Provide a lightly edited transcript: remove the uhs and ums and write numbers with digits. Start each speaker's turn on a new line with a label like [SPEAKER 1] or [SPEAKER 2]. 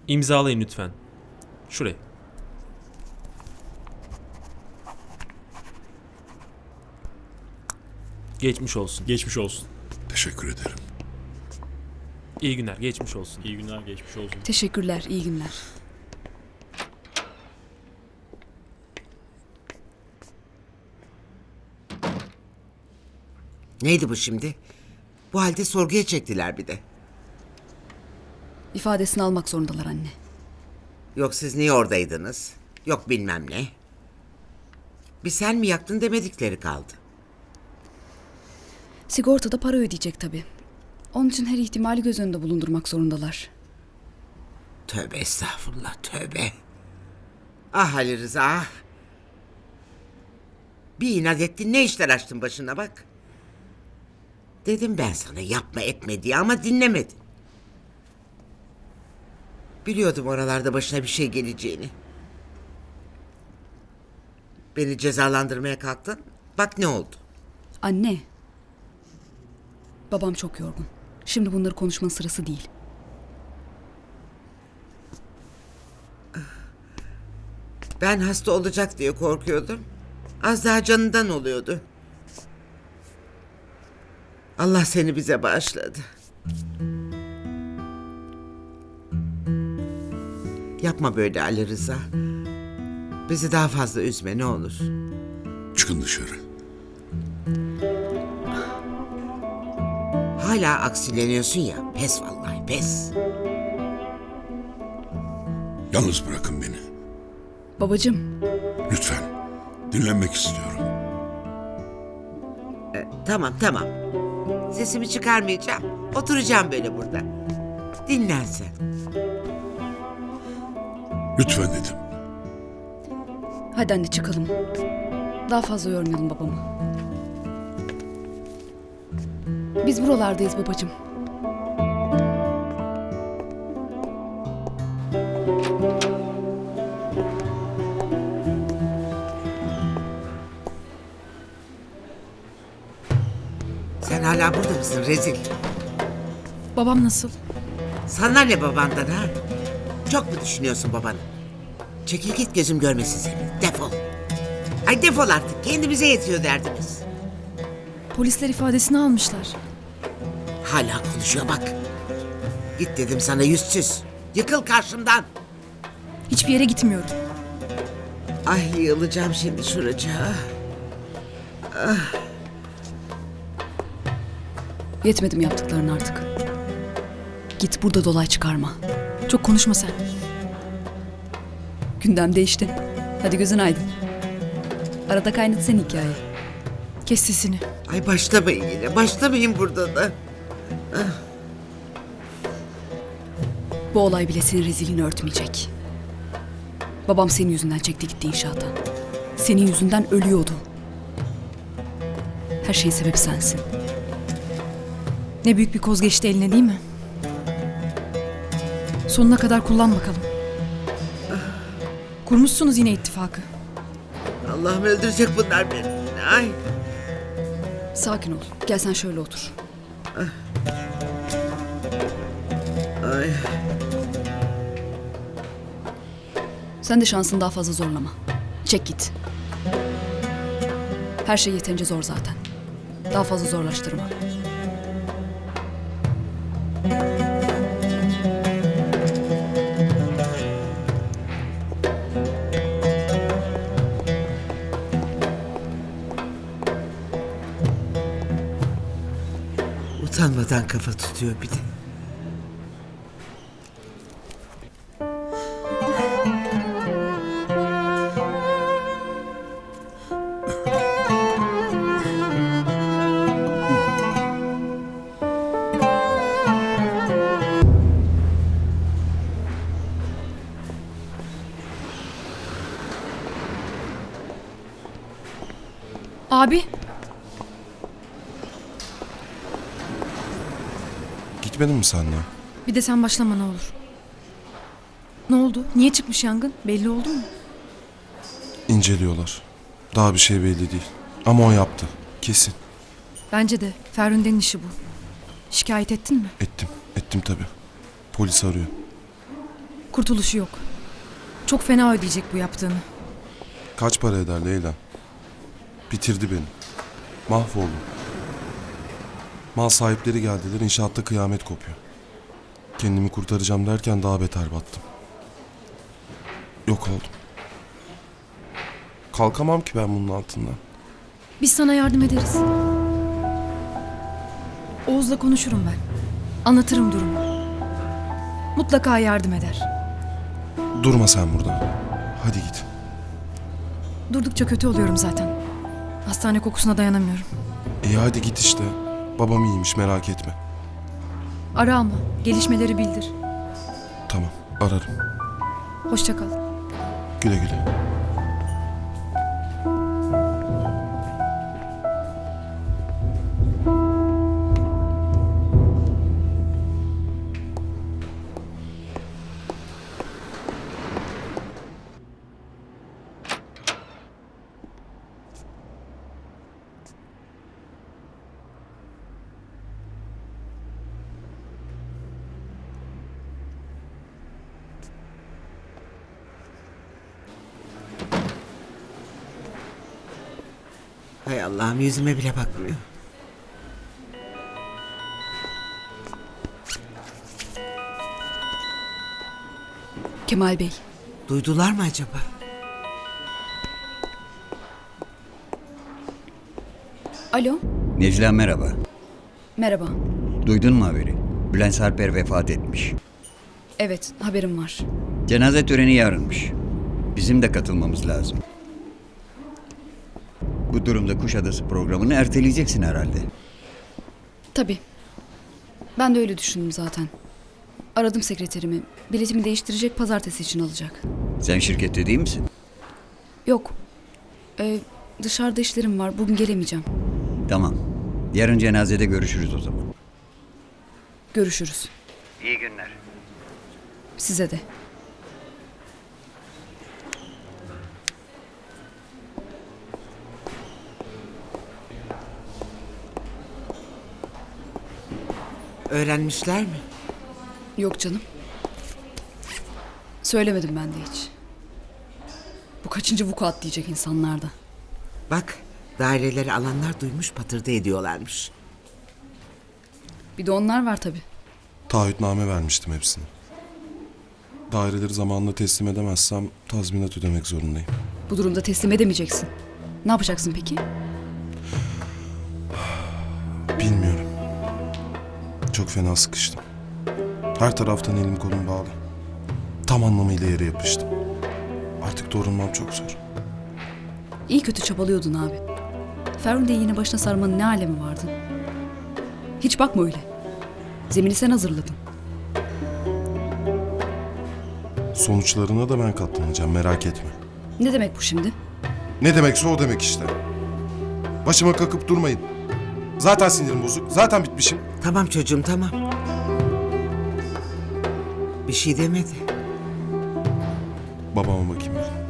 [SPEAKER 1] İmzalayın lütfen. Şuraya. Geçmiş olsun.
[SPEAKER 2] Geçmiş olsun.
[SPEAKER 3] Teşekkür ederim.
[SPEAKER 1] İyi günler. Geçmiş olsun.
[SPEAKER 2] İyi günler, geçmiş olsun.
[SPEAKER 4] Teşekkürler, iyi günler.
[SPEAKER 5] Neydi bu şimdi? Bu halde sorguya çektiler bir de.
[SPEAKER 4] İfadesini almak zorundalar anne.
[SPEAKER 5] Yok siz niye oradaydınız? Yok bilmem ne. Bir sen mi yaktın demedikleri kaldı.
[SPEAKER 4] Sigortada para ödeyecek tabii. Onun için her ihtimali göz önünde bulundurmak zorundalar.
[SPEAKER 5] Tövbe estağfurullah tövbe. Ah Ali Rıza ah. Bir inat ettin ne işler açtın başına bak. Dedim ben sana yapma etme diye ama dinlemedin. Biliyordum oralarda başına bir şey geleceğini. Beni cezalandırmaya kalktın. Bak ne oldu.
[SPEAKER 4] Anne. Babam çok yorgun. Şimdi bunları konuşmanın sırası değil.
[SPEAKER 5] Ben hasta olacak diye korkuyordum. Az daha canından oluyordu. Allah seni bize bağışladı. Yapma böyle Ali Rıza. Bizi daha fazla üzme ne olur.
[SPEAKER 3] Çıkın dışarı.
[SPEAKER 5] Hala aksileniyorsun ya. Pes vallahi pes.
[SPEAKER 3] Yalnız bırakın beni.
[SPEAKER 4] Babacığım,
[SPEAKER 3] Lütfen. Dinlenmek istiyorum.
[SPEAKER 5] Tamam tamam. Sesimi çıkarmayacağım. Oturacağım böyle burada. Dinlen sen.
[SPEAKER 3] Lütfen dedim.
[SPEAKER 4] hadi anne çıkalım. Daha fazla yormayalım babamı. Biz buralardayız babacığım.
[SPEAKER 5] Sen hala burada mısın rezil?
[SPEAKER 6] Babam nasıl?
[SPEAKER 5] Sana ne babandan ha? Çok mu düşünüyorsun babanı? Çekil git gözüm görmesin seni. Defol. Ay defol artık. Kendimize yetiyor derdimiz.
[SPEAKER 6] Polisler ifadesini almışlar.
[SPEAKER 5] Hala konuşuyor bak. Git dedim sana yüzsüz. Yıkıl karşımdan.
[SPEAKER 6] Hiçbir yere gitmiyorum.
[SPEAKER 5] Ay yığılacağım şimdi şuracığa.
[SPEAKER 4] Yetmedi mi yaptıkların artık? Git burada dolay çıkarma.
[SPEAKER 6] Çok konuşma sen.
[SPEAKER 4] Gündem değişti. Hadi gözün aydın. Arada kaynadı sen hikaye.
[SPEAKER 6] Kes sesini.
[SPEAKER 5] Ay başlamayın yine. Başlamayın burada da.
[SPEAKER 4] Bu olay bile senin rezilliğini örtmeyecek. Babam senin yüzünden çekti gitti inşaata. Senin yüzünden ölüyordu. Her şeyin sebebi sensin.
[SPEAKER 6] Ne büyük bir koz geçti eline değil mi? Sonuna kadar kullan bakalım. Kurmuşsunuz yine ittifakı.
[SPEAKER 5] Allah'ım öldürecek bunlar beni. Ay.
[SPEAKER 4] Sakin ol. Gel sen şöyle otur.
[SPEAKER 5] Ay.
[SPEAKER 4] Sen de şansını daha fazla zorlama. Çek git. Her şey yeterince zor zaten. Daha fazla zorlaştırma.
[SPEAKER 5] Utanmadan kafa tutuyor bir de.
[SPEAKER 6] Abi,
[SPEAKER 7] Gitmedin mi sen de?
[SPEAKER 6] bir de sen başlama ne olur. Ne oldu? Niye çıkmış yangın? Belli oldu mu?
[SPEAKER 7] İnceliyorlar. Daha bir şey belli değil. Ama o yaptı. Kesin.
[SPEAKER 6] Bence de. Ferhunde'nin işi bu. Şikayet ettin mi?
[SPEAKER 7] Ettim. Ettim tabii. Polis arıyor.
[SPEAKER 6] Kurtuluşu yok. Çok fena ödeyecek bu yaptığını.
[SPEAKER 7] Kaç para eder Leyla? Bitirdi beni. Mahvoldum. Mal sahipleri geldiler, inşaatta kıyamet kopuyor. Kendimi kurtaracağım derken daha beter battım. Yok oldum. Kalkamam ki ben bunun altından.
[SPEAKER 6] Biz sana yardım ederiz. Oğuz'la konuşurum ben. Anlatırım durumu. Mutlaka yardım eder.
[SPEAKER 7] Durma sen burada. Hadi git.
[SPEAKER 6] Durdukça kötü oluyorum zaten. Hastane kokusuna dayanamıyorum.
[SPEAKER 7] İyi hadi git işte. Babam iyiymiş, merak etme.
[SPEAKER 6] Ara ama gelişmeleri bildir.
[SPEAKER 7] Tamam, ararım.
[SPEAKER 6] Hoşça kal.
[SPEAKER 7] Güle güle.
[SPEAKER 5] Hay Allah'ım, yüzüme bile bakmıyor.
[SPEAKER 4] Kemal Bey,
[SPEAKER 5] Duydular mı acaba?
[SPEAKER 4] alo,
[SPEAKER 2] Necla merhaba.
[SPEAKER 4] merhaba.
[SPEAKER 2] Duydun mu haberi? Bülent Sarper vefat etmiş.
[SPEAKER 4] Evet, haberim var.
[SPEAKER 2] Cenaze töreni yarınmış. Bizim de katılmamız lazım. Bu durumda Kuşadası programını erteleyeceksin herhalde.
[SPEAKER 4] Tabii. Ben de öyle düşündüm zaten. Aradım sekreterimi. Biletimi değiştirecek, pazartesi için alacak.
[SPEAKER 2] Sen şirkette değil misin?
[SPEAKER 4] Yok. Dışarıda işlerim var. Bugün gelemeyeceğim.
[SPEAKER 2] Tamam. Yarın cenazede görüşürüz o zaman.
[SPEAKER 4] Görüşürüz.
[SPEAKER 2] İyi günler.
[SPEAKER 4] Size de.
[SPEAKER 5] Öğrenmişler mi?
[SPEAKER 4] Yok canım. Söylemedim ben de hiç. Bu kaçıncı vukuat diyecek insanlarda.
[SPEAKER 5] Bak, daireleri alanlar duymuş, patırdı ediyorlarmış.
[SPEAKER 4] Bir de onlar var tabii.
[SPEAKER 7] Taahhütname vermiştim hepsine. Daireleri zamanında teslim edemezsem tazminat ödemek zorundayım.
[SPEAKER 4] Bu durumda teslim edemeyeceksin. Ne yapacaksın peki?
[SPEAKER 7] Bilmiyorum. Çok fena sıkıştım. Her taraftan elim kolum bağlı. Tam anlamıyla yere yapıştım. Artık doğrulmam çok zor.
[SPEAKER 4] İyi kötü çabalıyordun abi. Ferhunde'yi yine başına sarmanın ne alemi vardı? Hiç bakma öyle. Zemini sen hazırladın.
[SPEAKER 7] Sonuçlarına da ben katlanacağım, merak etme.
[SPEAKER 4] Ne demek bu şimdi?
[SPEAKER 7] Ne demekse o demek işte. Başıma kakıp durmayın. Zaten sinirim bozuk, zaten bitmişim.
[SPEAKER 5] Tamam çocuğum, tamam. Bir şey demedi.
[SPEAKER 7] Babama bakayım ben.